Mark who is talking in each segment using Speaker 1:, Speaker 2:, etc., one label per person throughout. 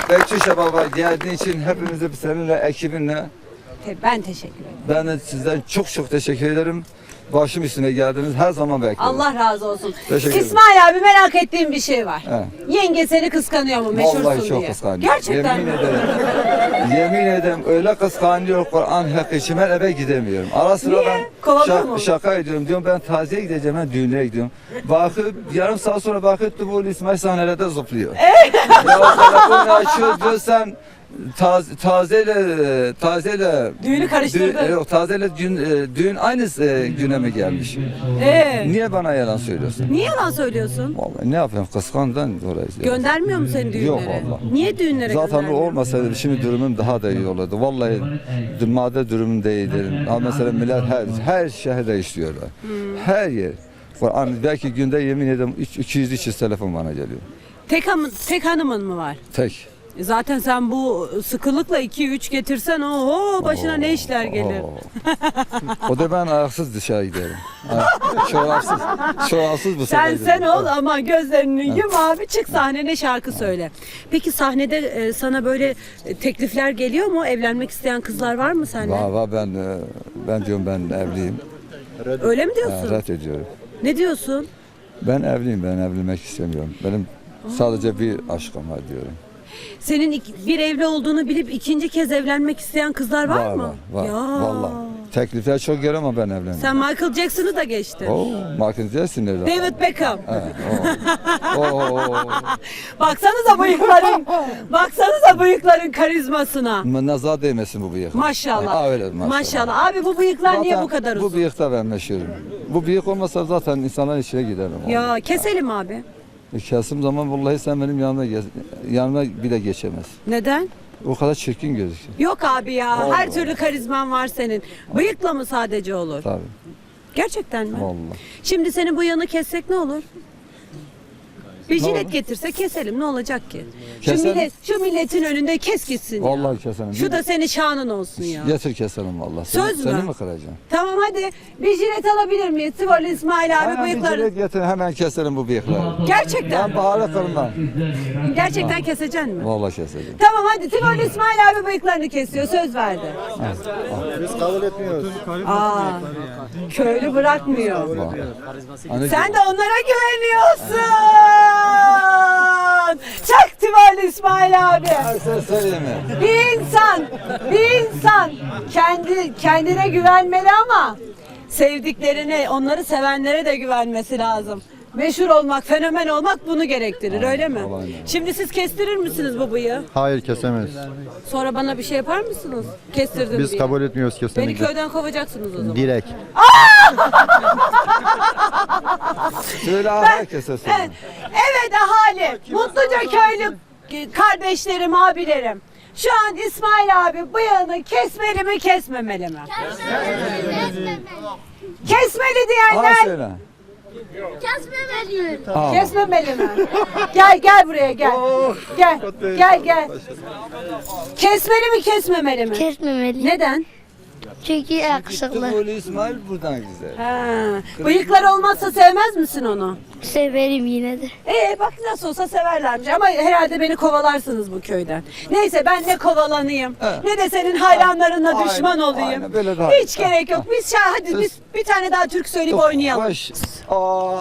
Speaker 1: Bekçi Baba geldiğin için hepimize seninle ekibinle
Speaker 2: Ben teşekkür ederim.
Speaker 1: ben de sizden çok teşekkür ederim. Başım üstüne geldiniz. Her zaman bekliyorum.
Speaker 2: Allah razı olsun.
Speaker 1: Teşekkür ederim.
Speaker 2: İsmail abi merak ettiğim bir şey var.
Speaker 1: He.
Speaker 2: Yenge seni kıskanıyor mu meşhursun
Speaker 1: Vallahi çok
Speaker 2: diye?
Speaker 1: kıskanıyor.
Speaker 2: Gerçekten
Speaker 1: Yemin
Speaker 2: mi?
Speaker 1: ederim. Yemin ederim öyle kıskanıyor Kur'an hakkı için ben eve gidemiyorum. Ara sıra
Speaker 2: Niye?
Speaker 1: ben
Speaker 2: Kovalıyor mu?
Speaker 1: şaka ediyorum. Diyorum ben taziye gideceğim, ben düğüne gidiyorum. Bakıp yarım saat sonra bakıp bu İsmail sahnelerde zıplıyor. Ya telefonu açıyor diyor sen tazeyle
Speaker 2: Düğünü karıştırdın.
Speaker 1: Yok tazeyle düğün aynı güne mi gelmiş? Niye bana yalan söylüyorsun?
Speaker 2: Niye yalan söylüyorsun?
Speaker 1: Vallahi ne yapayım kıskandan dolayı.
Speaker 2: Göndermiyor mu seni düğünlere?
Speaker 1: Yok vallahi.
Speaker 2: Niye düğünlere
Speaker 1: Zaten o
Speaker 2: göndermiyor?
Speaker 1: olmasaydı şimdi durumum daha da iyi olurdu. Vallahi madde durumum da iyidir. Ama mesela millet her şehirde işliyorlar. Her yer. Belki günde yemin ederim 200-300 telefon bana geliyor.
Speaker 2: Tek hanımın mı var?
Speaker 1: Tek.
Speaker 2: Zaten sen bu sıkılıkla 2-3 getirsen oho başına ne işler gelir.
Speaker 1: O da ben ayaksız dışarı giderim. Şovapsız bu sefer.
Speaker 2: Sen ol ama gözlerini yum abi çık sahnene şarkı söyle. Peki sahnede sana böyle teklifler geliyor mu? Evlenmek isteyen kızlar var mı seninle?
Speaker 1: Var ben diyorum ben evliyim.
Speaker 2: Öyle mi diyorsun?
Speaker 1: Red ediyorum.
Speaker 2: Ne diyorsun?
Speaker 1: Ben evliyim, ben evlenmek istemiyorum. Benim sadece bir aşkım var diyorum.
Speaker 2: Senin bir evli olduğunu bilip ikinci kez evlenmek isteyen kızlar var mı?
Speaker 1: Var.
Speaker 2: Ya.
Speaker 1: Vallahi. Teklifler çok geliyor ama ben evlenmiyorum.
Speaker 2: Sen Michael Jackson'ı da geçtin.
Speaker 1: Michael Jackson nerede?
Speaker 2: David Beckham.
Speaker 1: Oo.
Speaker 2: Baksanıza bıyıkların karizmasına.
Speaker 1: Nazar değmesin bu bıyık.
Speaker 2: Maşallah.
Speaker 1: Öyle
Speaker 2: Maşallah. Abi bu bıyıklar niye bu kadar uzun?
Speaker 1: Bu bıyıkta ben meşhurum. Bu bıyık olmasa zaten insanların içine giderim.
Speaker 2: Ya keselim abi.
Speaker 1: Kesim zaman vallahi sen benim yanıma bile geçemez.
Speaker 2: Neden?
Speaker 1: O kadar çirkin gözüküyor.
Speaker 2: Yok abi ya.
Speaker 1: Vallahi.
Speaker 2: Her türlü karizman var senin. Bıyıkla mı sadece olur?
Speaker 1: Tabii.
Speaker 2: Gerçekten mi?
Speaker 1: Vallahi.
Speaker 2: Şimdi senin bu yanı kessek ne olur? Bir jilet
Speaker 1: olur?
Speaker 2: getirse keselim ne olacak ki?
Speaker 1: Keselim.
Speaker 2: Şu milletin önünde kes gitsin ya.
Speaker 1: Vallahi keselim.
Speaker 2: Şu da senin şanın olsun ya.
Speaker 1: Getir keselim vallahi.
Speaker 2: Söz mü?
Speaker 1: Seni mi kıracağım?
Speaker 2: Tamam hadi bir jilet alabilir miyiz? Tıvarlı İsmail abi
Speaker 1: Hemen bir
Speaker 2: bıyıkları.
Speaker 1: jilet getir hemen keselim bu bıyıkları.
Speaker 2: Gerçekten.
Speaker 1: Ben pahalı kılmam.
Speaker 2: Gerçekten keseceksin mi?
Speaker 1: Vallahi keseceğim.
Speaker 2: Tamam hadi Tıvarlı İsmail abi bıyıklarını kesiyor söz verdi.
Speaker 3: Biz kabul etmiyoruz.
Speaker 2: Köylü bırakmıyor.
Speaker 1: Hani
Speaker 2: Sen de onlara güveniyorsun. Çak Tıvarlı İsmail abi.
Speaker 1: sen söyleyeyim mi?
Speaker 2: Bir insan kendine güvenmeli ama sevdiklerine, onları sevenlere de güvenmesi lazım. Meşhur olmak, fenomen olmak bunu gerektirir, öyle mi?
Speaker 1: aynen.
Speaker 2: Şimdi siz kestirir misiniz bu bıyığı?
Speaker 3: Hayır kesemeyiz.
Speaker 2: Sonra bana bir şey yapar mısınız? Kestirdim
Speaker 3: Biz
Speaker 2: diye.
Speaker 3: kabul etmiyoruz
Speaker 2: Beni
Speaker 3: kesinlikle.
Speaker 2: köyden kovacaksınız o zaman.
Speaker 3: Direkt.
Speaker 1: Söyle herkese söyle.
Speaker 2: Evet ahali, Mutluca köylü kardeşlerim, abilerim. Şu an İsmail abi bıyığını kesmeli mi kesmemeli mi? Kesmeli
Speaker 1: Bana
Speaker 2: diyenler
Speaker 1: söyle.
Speaker 4: Kesmemeliyim.
Speaker 2: kesmemeli mi? Gel buraya gel. Gel. Kesmeli mi kesmemeli mi?
Speaker 4: Kesmemeli.
Speaker 2: Neden?
Speaker 4: Çünkü yakışıklı.
Speaker 1: Tıpkı İsmail buradan güzel.
Speaker 2: Bıyıklar olmazsa sevmez misin onu?
Speaker 4: Severim yine de.
Speaker 2: Bak nasıl olsa severlermiş ama herhalde beni kovalarsınız bu köyden. Neyse ben ne kovalanayım ne de senin hayranlarına
Speaker 1: Aynen,
Speaker 2: düşman olayım.
Speaker 1: aynen, böyle daha
Speaker 2: Hiç
Speaker 1: iyi.
Speaker 2: gerek yok. Hadi biz bir tane daha türkü söyleyip oynayalım.
Speaker 1: Baş. Aa.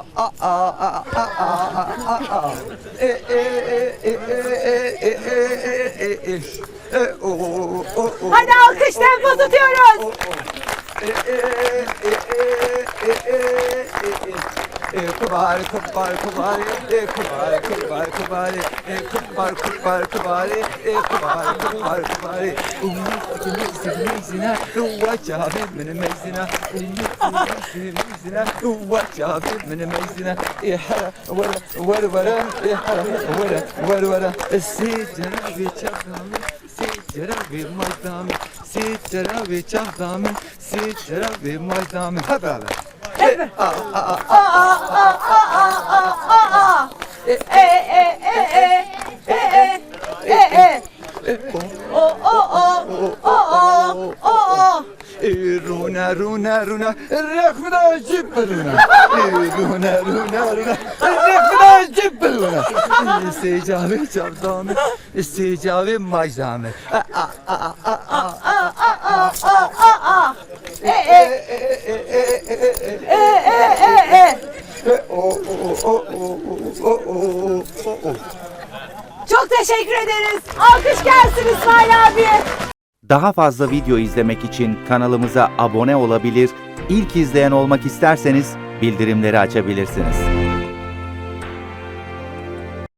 Speaker 2: Hadi alkış tempo tutuyoruz.
Speaker 1: Kubari, kubari, kubari, kubari, kubari, kubari, kubari, kubari, kubari, kubari, kubari, kubari. Mezina, uvacabi min mezina, mezina, uvacabi min mezina. İhara, vara, vara, ihara, vara, vara. Sicra bir çakam, sicra bir maydam, sicra bir çakam, sicra bir maydam. Hep beraber. Runa, runa, runa, rekmina cip runa. Runa, runa, runa, rekmina cip İsteyeceğim çabdanı, isteyeceğim majdanı.
Speaker 2: Çok teşekkür ederiz. Alkış gelsin İsmail abiye.
Speaker 5: Daha fazla video izlemek için kanalımıza abone olabilir, ilk izleyen olmak isterseniz bildirimleri açabilirsiniz.